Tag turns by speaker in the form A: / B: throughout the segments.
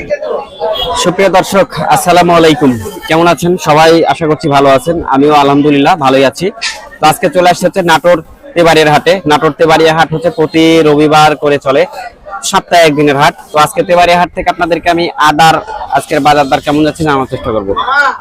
A: সুপ্রিয় দর্শক, আসসালামু আলাইকুম। কেমন আছেন সবাই? আশা করছি ভালো আছেন। আমিও আলহামদুলিল্লাহ ভালোই আছি। তো আজকে চলে আসছে হচ্ছে নাটোর তেবাড়িয়ার হাটে। নাটোর তেবাড়িয়া হাট হচ্ছে প্রতি রবিবার করে চলে, সপ্তাহে একদিনের হাট। তো আজকে তেবাড়িয়া হাট থেকে আপনাদেরকে আমি আদার আজকের বাজার দর কেমন যাচ্ছে জানার চেষ্টা করবো।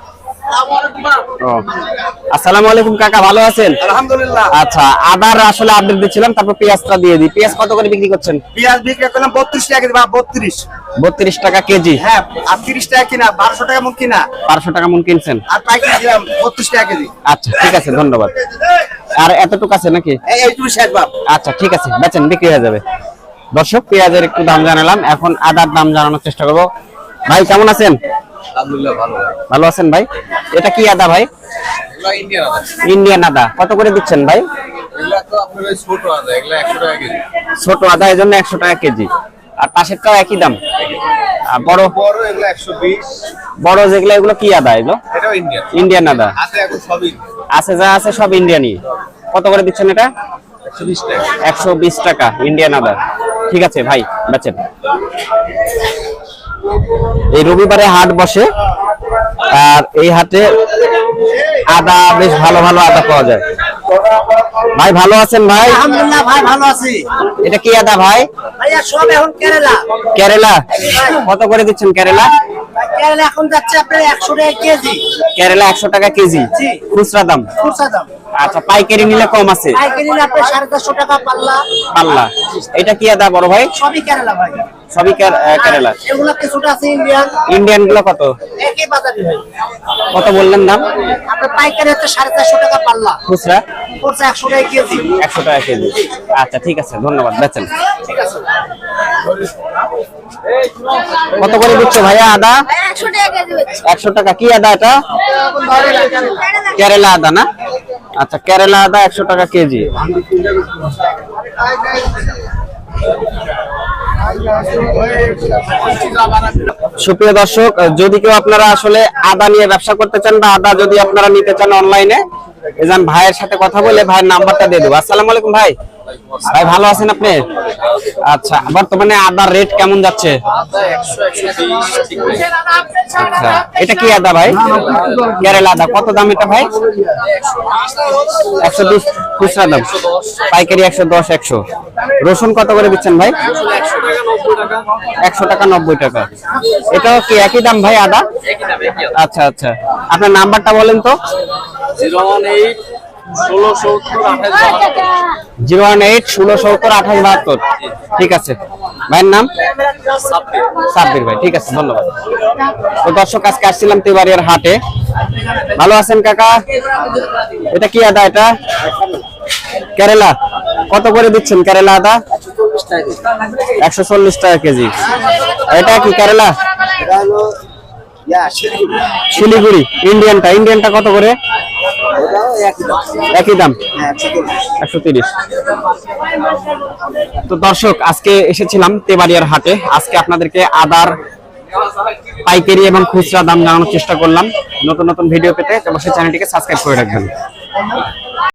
A: আসসালামু আলাইকুম কাকা, ভালো আছেন?
B: আলহামদুলিল্লাহ।
A: আচ্ছা, আদার আসলে আপডেট দিচ্ছিলাম, তারপর পেঁয়াজটা দিয়ে দিই। পেঁয়াজ কত করে বিক্রি করছেন?
B: পেঁয়াজ বিক্রি করলাম 32 টাকা কেজি।
A: 32 টাকা কেজি।
B: হ্যাঁ, আর 30 টাকা কিনা, 1200 টাকা মন কিনা।
A: 1200 টাকা মন কিনছেন?
B: আর পাইকারি দিলাম 32 টাকা কেজি।
A: আচ্ছা ঠিক আছে, ধন্যবাদ। আর এতটুকু আছে নাকি?
B: এইটুকু শেষ বাপ।
A: আচ্ছা ঠিক আছে, বেচেন, বিক্রি হয়ে যাবে। দর্শক, পেঁয়াজের একটু দাম জানালাম, এখন আদার দাম জানানোর চেষ্টা করবো। ভাই কেমন আছেন?
C: আলহামদুলিল্লাহ ভালো।
A: ভালো আছেন ভাই? এটা কি আদা ভাই?
C: এগুলা ইন্ডিয়ান আদা।
A: ইন্ডিয়ান আদা। কত করে দিচ্ছেন ভাই?
C: এগুলা তো আপনার ওই ছোট আদা, এগুলা 100 টাকা কেজি।
A: ছোট আদা, এই জন্য 100 টাকা কেজি। আর পাশেরটাও একই দাম? আর বড়
C: বড় এগুলা 120।
A: বড় যেগুলো, এগুলো কি আদা? এগুলো
C: এটাও ইন্ডিয়ান।
A: ইন্ডিয়ান আদা
C: আছে এখন সবই
A: আছে, যা আছে সব ইন্ডিয়ানই। কত করে দিচ্ছেন এটা?
C: 120 টাকা।
A: 120 টাকা ইন্ডিয়ান আদা। ঠিক আছে ভাই, বেচেন। এই রবিবারে হাট বসে, আর এই হাটে আদা বেশ ভালো ভালো আদা পাওয়া যায়। ভাই ভালো আছেন ভাই?
B: আলহামদুলিল্লাহ ভাই, ভালো আছি।
A: এটা কি আদা ভাই?
B: ভাইয়া সব এখন কেরালা।
A: কেরালা। কত করে দিচ্ছেন কেরালা?
B: কেরালা এখন যাচ্ছে আপনার 100 টাকা কেজি।
A: কেরালা 100 টাকা কেজি
B: জি।
A: খুচরা দাম?
B: খুচরা দাম।
A: আচ্ছা, পাইকারি নিলে কম আছে?
B: পাইকারি নিলে আপনার 450 টাকা পাল্লা।
A: পাল্লা। এটা কি আদা বড় ভাই?
B: সবই কেরালা ভাই।
A: সবই কেরালা।
B: এগুলা কিছুটা আছে ইন্ডিয়ান।
A: ইন্ডিয়ান গুলো কত?
B: একই বাজারে ভাই।
A: কত বললেন দাম?
B: আপনার পাইকারি হচ্ছে 450 টাকা পাল্লা।
A: খুচরা?
B: খুচরা 100 টাকা কেজি।
A: 100 টাকা কেজি। আচ্ছা ঠিক আছে, ধন্যবাদ, বেচেন।
B: ঠিক আছে।
A: কত করে দিচ্ছ ভাইয়া আদা?
D: 100 টাকা কেজি হচ্ছে।
A: 100 টাকা। কি আদা এটা? কেরালা আদা না? আচ্ছা, কেরালা আদা 100 টাকা কেজি। সুপ্রিয় দর্শক, যদি কেউ আপনারা আসলে আদা নিয়ে ব্যবসা করতে চান বা আদা যদি আপনারা নিতে চান অনলাইনে, এজন ভাইয়ের সাথে কথা বলে ভাইয়ের নাম্বারটা দিয়ে দেবো। আসসালামু আলাইকুম ভাই। ভাই ভালো আছেন আপনি? আচ্ছা, বর্তমানে আদার রেট কেমন যাচ্ছে? আচ্ছা, এটা কি আদা ভাই? কেরালা আদা। কত দাম এটা ভাই? 120 খুচরা দাম, পাইকারি 110 100। রসুন কত করে দিচ্ছেন ভাই? 100 টাকা 90 টাকা। এটাও কি একই দাম ভাই আদা? আচ্ছা আচ্ছা, আপনার নাম্বারটা বলেন তো।
C: 018
A: 018 1670 2872। ঠিক আছে, ভাইয়ের নাম? সাব্বির ভাই। ঠিক আছে, ধন্যবাদ। তো দর্শক, আজকে আসছিলাম তেবাড়িয়ার হাটে। ভালো আছেন কাকা? এটা কি আদা? এটা কেরালা। কত করে দিচ্ছেন কেরালা আদা? 140 টাকা কেজি। এটা কি কেরালা? শিলিগুড়ি। ইন্ডিয়ানটা কত করে? একই দাম, 130। তো দর্শক, আজকে এসেছিলাম তেবাড়িয়ার হাটে। আজকে আপনাদেরকে আদার পাইকারি এবং খুচরা দাম জানানোর চেষ্টা করলাম। নতুন নতুন ভিডিও পেতে অবশ্যই চ্যানেলটিকে সাবস্ক্রাইব করে রাখবেন।